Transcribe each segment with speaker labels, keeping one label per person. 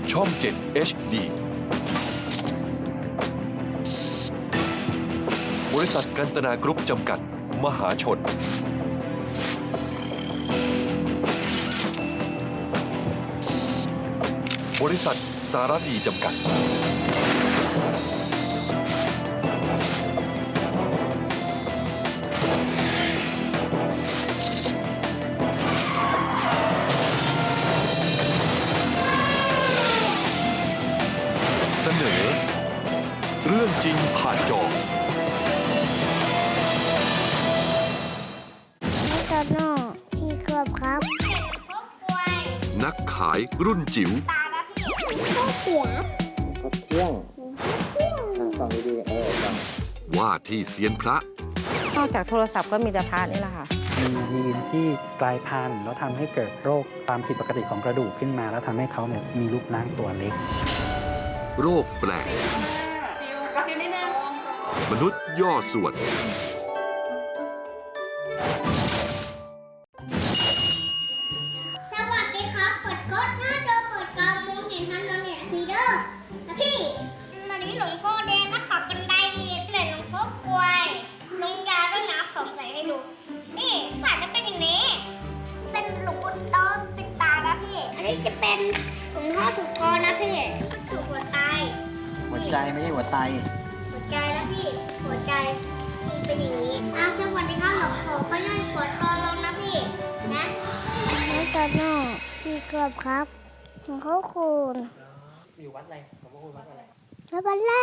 Speaker 1: ช่อง 7 HD บริษัทกันตนากรุ๊ปจำกัดมหาชนบริษัทสารดีจำกัดเสนอเรื่องจริงผ่านจอ
Speaker 2: โตโน่ที่ขวบครับ
Speaker 1: นักขายรุ่นจิ๋ว
Speaker 2: ข้าวเสีย
Speaker 3: เที่ยงส่องดีๆส่อง
Speaker 1: ว่าที่เซียนพระ
Speaker 4: นอกจากโทรศัพท์ก็มีแต่พระนี่แหละค่ะ
Speaker 5: มียีนที่กลายพันธุ์แล้วทำให้เกิดโรคความผิดปกติของกระดูกขึ้นมา แล้วทำให้เขาเนี่ยมีรูปร่างตัวเล็ก
Speaker 1: โรคแปลก มนุษย์ย่อส่วน
Speaker 2: สวัสดีครับกดกดหน้าจอเปิดกลางมองเห็นทันแล้วเนี่ยฟีเดอร์นะพี่วันนี้หลวงพ่อเดนนะครับบันไดมีเลยหลวงพ่อกล้วยลงยาด้วยนะผมใส่ให้ดู นี่ใส่จะเป็นอย่างนี้ เป็นหลวงปู่โตติดตานะพี่ อันนี้จะเป็นหลวงพ่อถูกคอนะพี่ถูกหัวใจ
Speaker 3: หัวใจไม่ใช่หัวไต
Speaker 2: หัวใจแล้วพี่ หัวใจนี่เป็นอย่างนี้สวัสดีครับหลวงพ่อเขานั่งกดคอลงนะพี่นะโตโน่ที่กบครับของเขาคูณ
Speaker 3: อยู่วัดอะไรผมว่าวัดอะไร
Speaker 2: แล้วบันไล่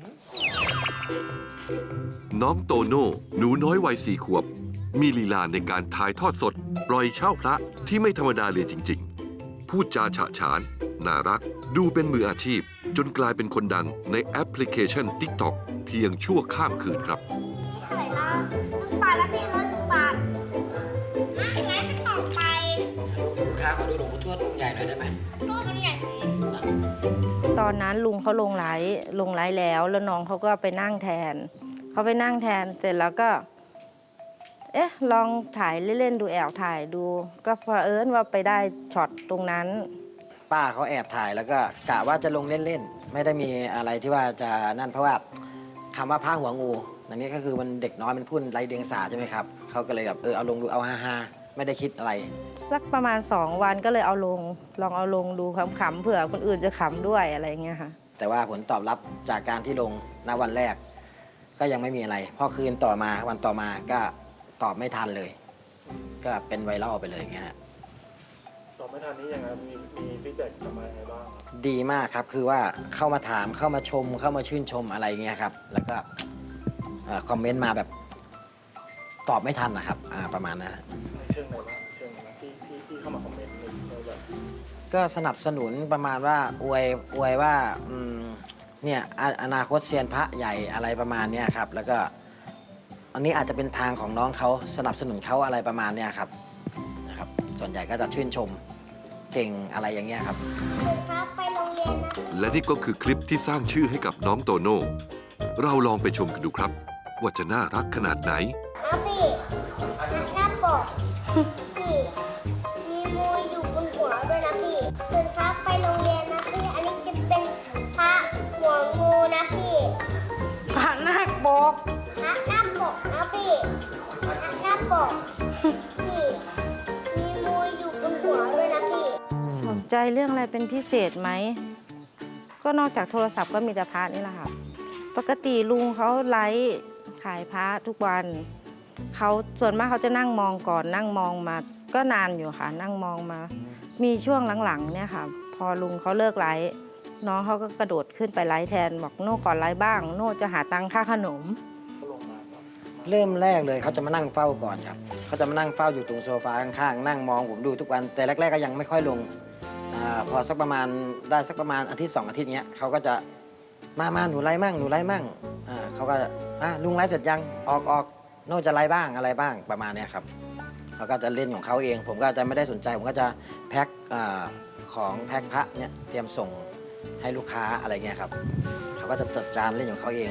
Speaker 1: น้องโตโน่หนูน้อยวัย4 ขวบ มีลีลาในการถ่ายทอดสด ปล่อยเช่าพระที่ไม่ธรรมดาเลยจริงๆ พูดจาฉะฉาน น่ารัก ดูเป็นมืออาชีพ จนกลายเป็นคนดังในแอปพลิเคชัน TikTok เพียงชั่วข้ามคืนครับ
Speaker 2: เท่าไหร่ละ1 บาทแล้วพี่1 บาทไม่งั้นจะต่อไป
Speaker 3: ลูกค้าขอดูหลวงปู่ทวดองค์ใหญ่หน่อยได้ไหม
Speaker 2: รูปมันใหญ่
Speaker 4: ตอนนั้นลุงเขาลงไลฟ์แล้วน้องเขาก็ไปนั่งแทน เขาไปนั่งแทนเสร็จแล้วก็ ลองถ่ายเล่นๆดูแอบถ่ายดู ก็เผอิญว่าไปได้ช็อตตรงนั้น
Speaker 3: ป้าเขาแอบถ่ายแล้วก็กะว่าจะลงเล่นๆ ไม่ได้มีอะไรที่ว่าจะนั่นเพราะว่าคำว่าผ้าหัวงูอันนี้ก็คือมันเด็กน้อยมันพูดไร้เดียงสาใช่ไหมครับเขาก็เลยแบบเอาลงดูเอาฮาๆไม่ได้คิดอะไร
Speaker 4: สักประมาณ2 วันก็เลยเอาลง ลองเอาลงดูขำๆเผื่อคนอื่นจะขำด้วยอะไรอย่างเงี้ยค่ะ
Speaker 3: แต่ว่าผลตอบรับจากการที่ลงณวันแรก ก็ยังไม่มีอะไรพอคืนต่อมาวันต่อมาก็ตอบไม่ทันเลย ก็เป็นไวรัลไปเลยอย่างเงี้ยฮะ
Speaker 6: ตอบไม่ทันนี้ยังไงมีฟีดแบ็กกลับมายังไงบ้างครับ
Speaker 3: ดีมากครับคือว่าเข้ามาถามเข้ามาชมเข้ามาชื่นชมอะไรเงี้ยครับแล้วก็คอมเมนต์มาแบบตอบไม่ทันนะครับประมาณนั้น
Speaker 6: ในเชิงไหนบ้างเชิงไหนบ้างที่เข้ามาคอมเมนต์ในแบบ
Speaker 3: ก็สนับสนุนประมาณว่าอวยว่าเนี่ยอนาคตเซียนพระใหญ่อะไรประมาณเนี้ยครับแล้วก็อันนี้อาจจะเป็นทางของน้องเขาสนับสนุนเขาอะไรประมาณเนี้ยครับนะครับส่วนใหญ่ก็จะชื่นชมเก่งอะไรอย่างเงี้ยครับ
Speaker 2: ครับไปโรงเรียนนะ
Speaker 1: และนี่ก็คือคลิปที่สร้างชื่อให้กับน้องโตโน่ เราลองไปชมกันดูครับ ว่าจะน่ารักขนาดไหน
Speaker 2: นะพี่หน้าปกพี่มีมูอยู่บนหัวด้วยนะพี่ตื่นเช้าไปโรงเรียนนะพี่อันนี้จะเป็นพระหัวงูนะพี่
Speaker 4: พระนาคปก
Speaker 2: พระหน้าปกนะพี่พระหน้าปกพี่มีมูอยู่บนหัวด้วยนะพี่
Speaker 4: สนใจเรื่องอะไรเป็นพิเศษไหม ก็นอกจากโทรศัพท์ก็มีแต่พระนี่แหละค่ะ ปกติลุงเขาไลฟ์ขายพระทุกวันเขาส่วนมากเขาจะนั่งมองก่อนนั่งมองมาก็นานอยู่ค่ะ นั่งมองมา มีช่วงหลังๆเนี่ยค่ะ พอลุงเขาเลิกไลฟ์น้องเขาก็กระโดดขึ้นไปไลฟ์แทนบอกโน่ก่อนไลฟ์บ้าง โน่จะหาตังค่าขนม
Speaker 3: เริ่มแรกเลยเขาจะมานั่งเฝ้าก่อนครับเขาจะมานั่งเฝ้าอยู่ตรงโซฟาข้างๆนั่งมองผมดูทุกวันแต่แรกๆก็ยังไม่ค่อยลงพอสักประมาณได้สักประมาณอาทิตย์2 อาทิตย์เนี้ยเขาก็จะมาหนูไล่มั่งหนูไล่มั่งเขาก็ลุงไล่เสร็จยังออกโน่จะไล่บ้างอะไรบ้างประมาณเนี้ยครับเขาก็จะเล่นของเขาเอง ผมก็จะไม่ได้สนใจผมก็จะแพ็คของแพ็คพระเนี่ยเตรียมส่งให้ลูกค้าอะไรเงี้ยครับเขาก็จะจัดการเล่นของเขาเอง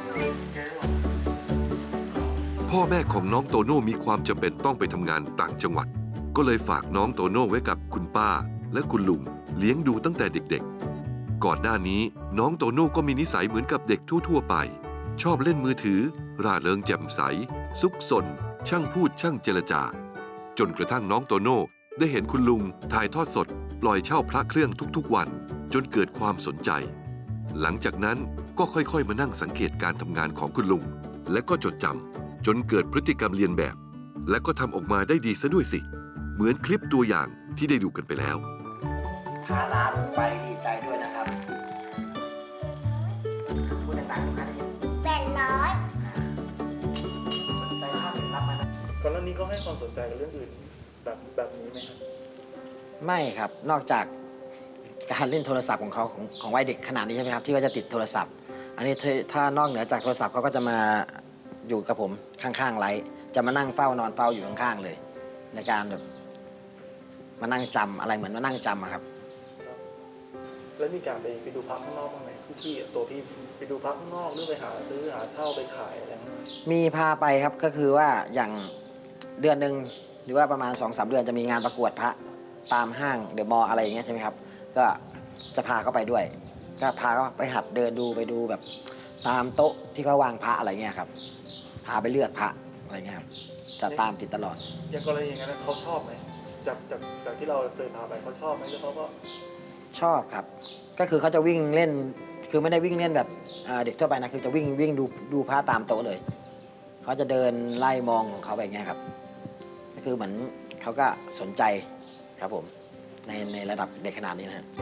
Speaker 1: พ่อแม่ของน้องโตโน่มีความจำเป็นต้องไปทำงานต่างจังหวัด ก็เลยฝากน้องโตโน่ไว้กับคุณป้าและคุณลุงเลี้ยงดูตั้งแต่เด็กๆก่อนหน้านี้น้องโตโน่ก็มีนิสัยเหมือนกับเด็กทั่วๆไป ชอบเล่นมือถือร่าเริงแจ่มใสซุกซนช่างพูดช่างเจรจาจนกระทั่งน้องโตโน่ได้เห็นคุณลุงถ่ายทอดสดปล่อยเช่าพระเครื่องทุกๆวันจนเกิดความสนใจหลังจากนั้นก็ค่อยๆมานั่งสังเกตการทำงานของคุณลุงและก็จดจำจนเกิดพฤติกรรมเลียนแบบ และก็ทำออกมาได้ดีซะด้วยสิเหมือนคลิปตัวอย่างที่ได้ดูกันไปแล้ว
Speaker 3: พาหลานไปดีใจด้วยนะครับพูดดังๆลูกค้าได้ยิน
Speaker 2: 800
Speaker 3: สนใจชอบรับมานะ
Speaker 6: ก่อนหน้านี้ก็ให้ความสนใจกับเรื่องอื่นแบบนี้ไหมครับ
Speaker 3: ไม่ครับ นอกจากการเล่นโทรศัพท์ของเขาของวัยเด็กขนาดนี้ใช่ไหมครับที่ว่าจะติดโทรศัพท์ อันนี้ถ้านอกเหนือจากโทรศัพท์เขาก็จะมาอยู่กับผมข้างๆไลฟ์จะมานั่งเฝ้านอนเฝ้าอยู่ข้างๆเลย ในการแบบมานั่งจำอะไรเหมือนมานั่งจำอะครับ
Speaker 6: แล้วมีการไปดูพระข้างนอกบ้างไหมพี่ตัวพี่ไปดูพระข้างนอกหรือไปหาซื้อหาเช่าไปขายอะไรอย่างเงี้ย
Speaker 3: มีพาไปครับก็คือว่าอย่างเดือนหนึ่งหรือว่าประมาณ 2-3 เดือนจะมีงานประกวดพระตามห้างเดอะมอลล์อะไรอย่างเงี้ยใช่ไหมครับก็จะพาเขาไปด้วย ก็พาเขาไปหัดเดินดูไปดูแบบตามโต๊ะที่เขาวางพระอะไรเงี้ยครับพาไปเลือกพระอะไรเงี้ยครับจะตามติดตลอด
Speaker 6: อย่างกรณีอย่างนั้นเขาชอบไหมจากที่เราเคยพาไปเขาชอบไหมแล้วเขาก็
Speaker 3: ชอบครับ ก็คือเขาจะวิ่งเล่นคือไม่ได้วิ่งเล่นแบบเด็กทั่วไปนะคือจะวิ่งดูพระตามโต๊ะเลยเขาจะเดินไล่มองของเขาไปอย่างเงี้ยครับก็คือเหมือนเขาก็สนใจครับผมในระดับเด็กขนาดนี้นะฮะ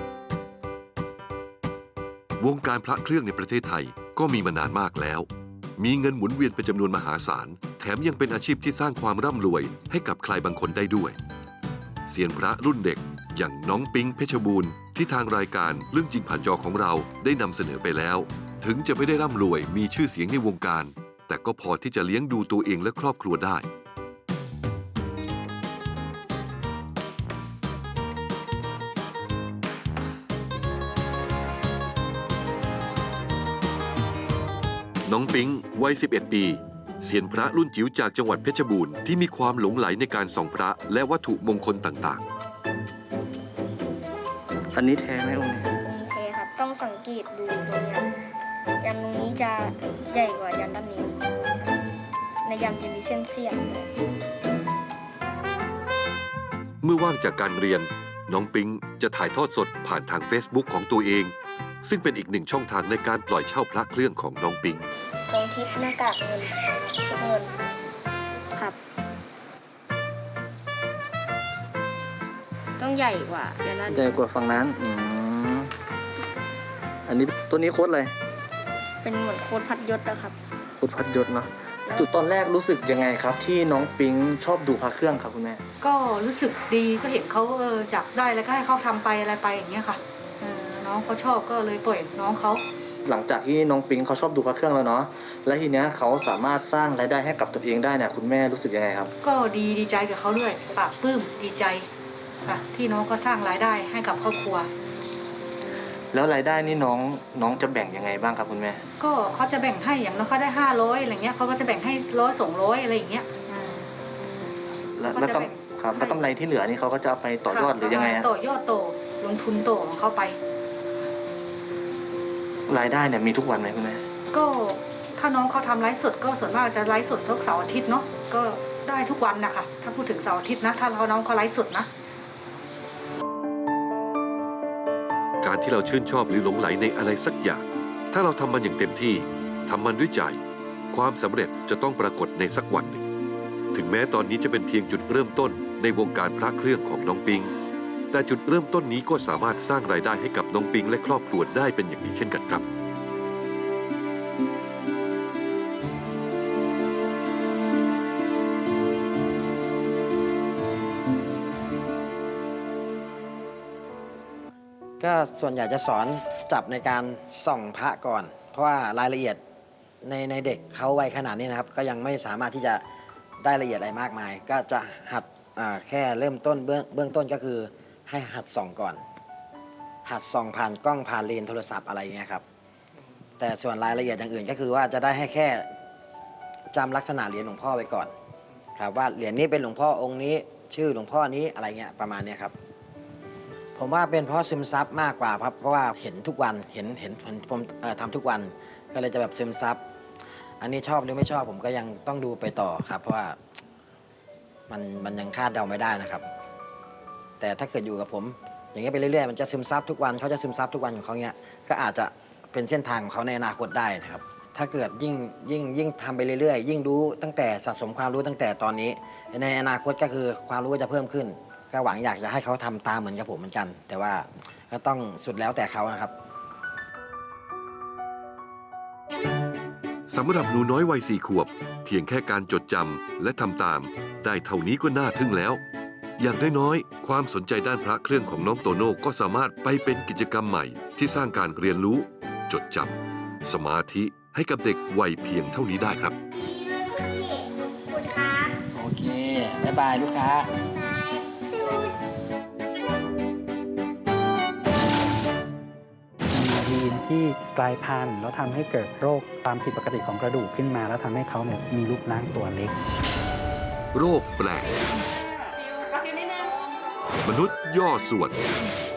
Speaker 1: วงการพระเครื่องในประเทศไทยก็มีมานานมากแล้ว มีเงินหมุนเวียนเป็นจำนวนมหาศาล แถมยังเป็นอาชีพที่สร้างความร่ำรวยให้กับใครบางคนได้ด้วยเซียนพระรุ่นเด็กอย่างน้องปิ๊งเพชรบูรณ์ที่ทางรายการเรื่องจริงผ่านจอของเราได้นำเสนอไปแล้ว ถึงจะไม่ได้ร่ำรวยมีชื่อเสียงในวงการ แต่ก็พอที่จะเลี้ยงดูตัวเองและครอบครัวได้ น้องปิ๊งวัย 11 ปีเซียนพระรุ่นจิ๋วจากจังหวัดเพชรบูรณ์ที่มีความหลงใหลในการส่องพระและวัตถุมงคลต่าง
Speaker 5: อันนี้แท้ไหมองค์นี้
Speaker 2: โอเคครับ ต้องสังเกตดูตรงเนี้ยยันตรงนี้จะใหญ่กว่ายันด้านนี้ ในยันจะมีเส้นเสียงเลย
Speaker 1: ๆ เมื่อว่างจากการเรียน น้องปิ๊งจะถ่ายทอดสดผ่านทาง Facebook ของตัวเอง ซึ่งเป็นอีกหนึ่งช่องทางในการปล่อยเช่าพระเครื่องของน้องปิ๊ง
Speaker 2: ตรงทิศหน้ากากเงินชุดเงินครับ ต้องใหญ่กว่ายันด้าน
Speaker 5: ใหญ่กว่าฝั่งนั้นอันนี้ตัวนี้โค้ดอะไร
Speaker 2: เป็นเหมือนโคตรพัดยศนะครับ
Speaker 5: โค้ดพัดยศเนาะจุดตอนแรกรู้สึกยังไงครับ ที่น้องปิ๊งชอบดูพระเครื่องครับคุณแม่
Speaker 7: ก็รู้สึกดีก็เห็นเขาอยากได้แล้วก็ให้เขาทำไปอะไรไปอย่างเงี้ยค่ะน้องเขาชอบก็เลยปล่อยน้องเขา
Speaker 5: หลังจากที่น้องปิ๊งเขาชอบดูพระเครื่องแล้วเนาะและทีเนี้ยเขาสามารถสร้างรายได้ให้กับตัวเองได้เนี่ยคุณแม่รู้สึกยังไงครับ
Speaker 7: ก็ดีใจกับเขาด้วยปลาบปลื้มดีใจค่ะที่น้องก็สร้างรายได้ให้กับครอบครัว
Speaker 5: แล้วรายได้นี่น้องจะแบ่งยังไงบ้างครับคุณแม่
Speaker 7: ก็เขาจะแบ่งให้อย่างน้อยเขาได้500อะไรเงี้ยเขาก็จะแบ่งให้100-200อะไรอย่างเงี้ย
Speaker 5: แล้ว
Speaker 7: ก็จะแบ่ง
Speaker 5: ครับแล้วกำไรที่เหลือนี่เขาก็จะเอาไปต่อยอดหรือยังไงฮะ
Speaker 7: ต่อยอดโตลงทุนโตของเขาไป
Speaker 5: รายได้เนี่ยมีทุกวันไหมคุณแม่
Speaker 7: ก็ถ้าน้องเขาทำไลฟ์สดก็ส่วนมากจะไลฟ์สดทุกเสาร์อาทิตย์เนาะก็ได้ทุกวันนะคะถ้าพูดถึงเสาร์อาทิตย์นะถ้าน้องเขาไลฟ์สดนะ
Speaker 1: การที่เราชื่นชอบหรือหลงไหลในอะไรสักอย่าง ถ้าเราทำมันอย่างเต็มที่ทำมันด้วยใจ ความสำเร็จจะต้องปรากฏในสักวันหนึ่ง ถึงแม้ตอนนี้จะเป็นเพียงจุดเริ่มต้นในวงการพระเครื่องของน้องปิง แต่จุดเริ่มต้นนี้ก็สามารถสร้างรายได้ให้กับน้องปิงและครอบครัวได้เป็นอย่างดีเช่นกันครับ
Speaker 3: ก็ส่วนใหญ่จะสอนจับในการส่องพระก่อน เพราะว่ารายละเอียดในเด็กเขาวัยขนาดนี้นะครับ ก็ยังไม่สามารถที่จะได้ละเอียดอะไรมากมาย ก็จะหัดแค่เริ่มต้นเบื้องต้นก็คือให้หัดส่องก่อน หัดส่องผ่านกล้องผ่านเลนส์โทรศัพท์อะไรอย่างเงี้ยครับแต่ส่วนรายละเอียดอย่างอื่นก็คือว่าจะได้ให้แค่จำลักษณะเหรียญหลวงพ่อไว้ก่อนครับว่าเหรียญนี้เป็นหลวงพ่อองค์นี้ชื่อหลวงพ่อนี้อะไรเงี้ยประมาณเนี้ยครับพผมว่าเป็นเพราะซึมซับมากกว่าครับเพราะว่าเห็นทุกวันเห็นผมทำทุกวันก็เลยจะแบบซึมซับอันนี้ชอบหรือไม่ชอบผมก็ยังต้องดูไปต่อครับ เพราะว่ามันยังคาดเดาไม่ได้นะครับ แต่ถ้าเกิดอยู่กับผมอย่างเงี้ยไปเรื่อยๆมันจะซึมซับทุกวันเขาจะซึมซับทุกวันของเขาเงี้ยก็อาจจะเป็นเส้นทางของเขาในอนาคตได้นะครับ ถ้าเกิดยิ่งทำไปเรื่อยๆยิ่งรู้ตั้งแต่สะสมความรู้ตั้งแต่ตอนนี้ในอนาคตก็คือความรู้ก็จะเพิ่มขึ้นก็หวังอยากจะให้เขาทำตามเหมือนกับผมเหมือนกัน แต่ว่าก็ต้องสุดแล้วแต่เขานะครับ
Speaker 1: สำหรับหนูน้อยวัย4 ขวบ เพียงแค่การจดจำและทำตาม ได้เท่านี้ก็น่าทึ่งแล้ว อย่างน้อยๆความสนใจด้านพระเครื่องของน้องโตโน่ก็สามารถไปเป็นกิจกรรมใหม่ที่สร้างการเรียนรู้ จดจำสมาธิให้กับเด็กวัยเพียงเท่านี้ได้ครับ
Speaker 2: ดีเลยพี่ขอบคุณครับ
Speaker 3: โอเคบ๊ายบายลูกค้า
Speaker 2: บาย
Speaker 5: มียีนที่กลายพันธุ์แล้วทำให้เกิดโรคความผิดปกติของกระดูกขึ้นมา แล้วทำให้เขาเนี่ยมีรูปร่างตัวเล็ก
Speaker 1: โรคแปลก มนุษย์ย่อส่วน